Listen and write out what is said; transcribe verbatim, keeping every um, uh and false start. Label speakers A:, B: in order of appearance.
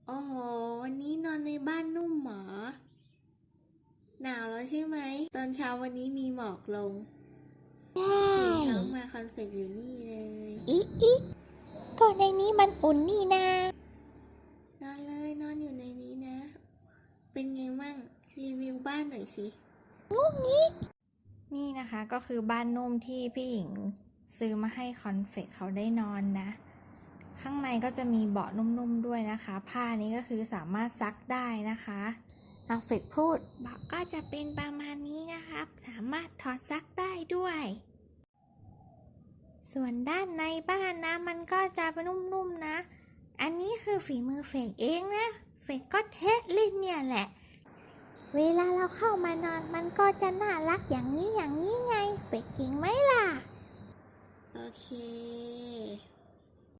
A: โอ้โหวันนี้นอนในบ้านนุ่มหมอหนาวแล้วใช่ไหมตอนเช้าวันนี้มีหมอกลงตื่นเช้ามาคอนเฟกอยู่นี่เลย
B: อีอีก็ในนี้มันอุ่นนี่นาน
A: อนเลยนอนอยู่ในนี้นะ เป็นไงมั่งรีวิวบ้านหน่อยสิ
C: นี่นะคะก็คือบ้านนุ่มที่พี่หญิงซื้อมาให้คอนเฟกเขาได้นอนนะข้างในก็จะมีเบาะนุ่มๆด้วยนะคะผ้านี้ก็คือสามารถซักได้นะคะคอนเฟกพูดเบาะก็จะเป็นประมาณนี้นะครับสามารถถอดซักได้ด้วยส่วนด้านในบ้านนะมันก็จะเป็นนุ่มๆนะอันนี้คือฝีมือเฟกเองนะเฟกก็เทสเล่นเนี่ยแหละเวลาเราเข้ามานอนมันก็จะน่ารักอย่างนี้อย่างนี้ไงเฟกเก่งไหมล่ะ
A: โอเค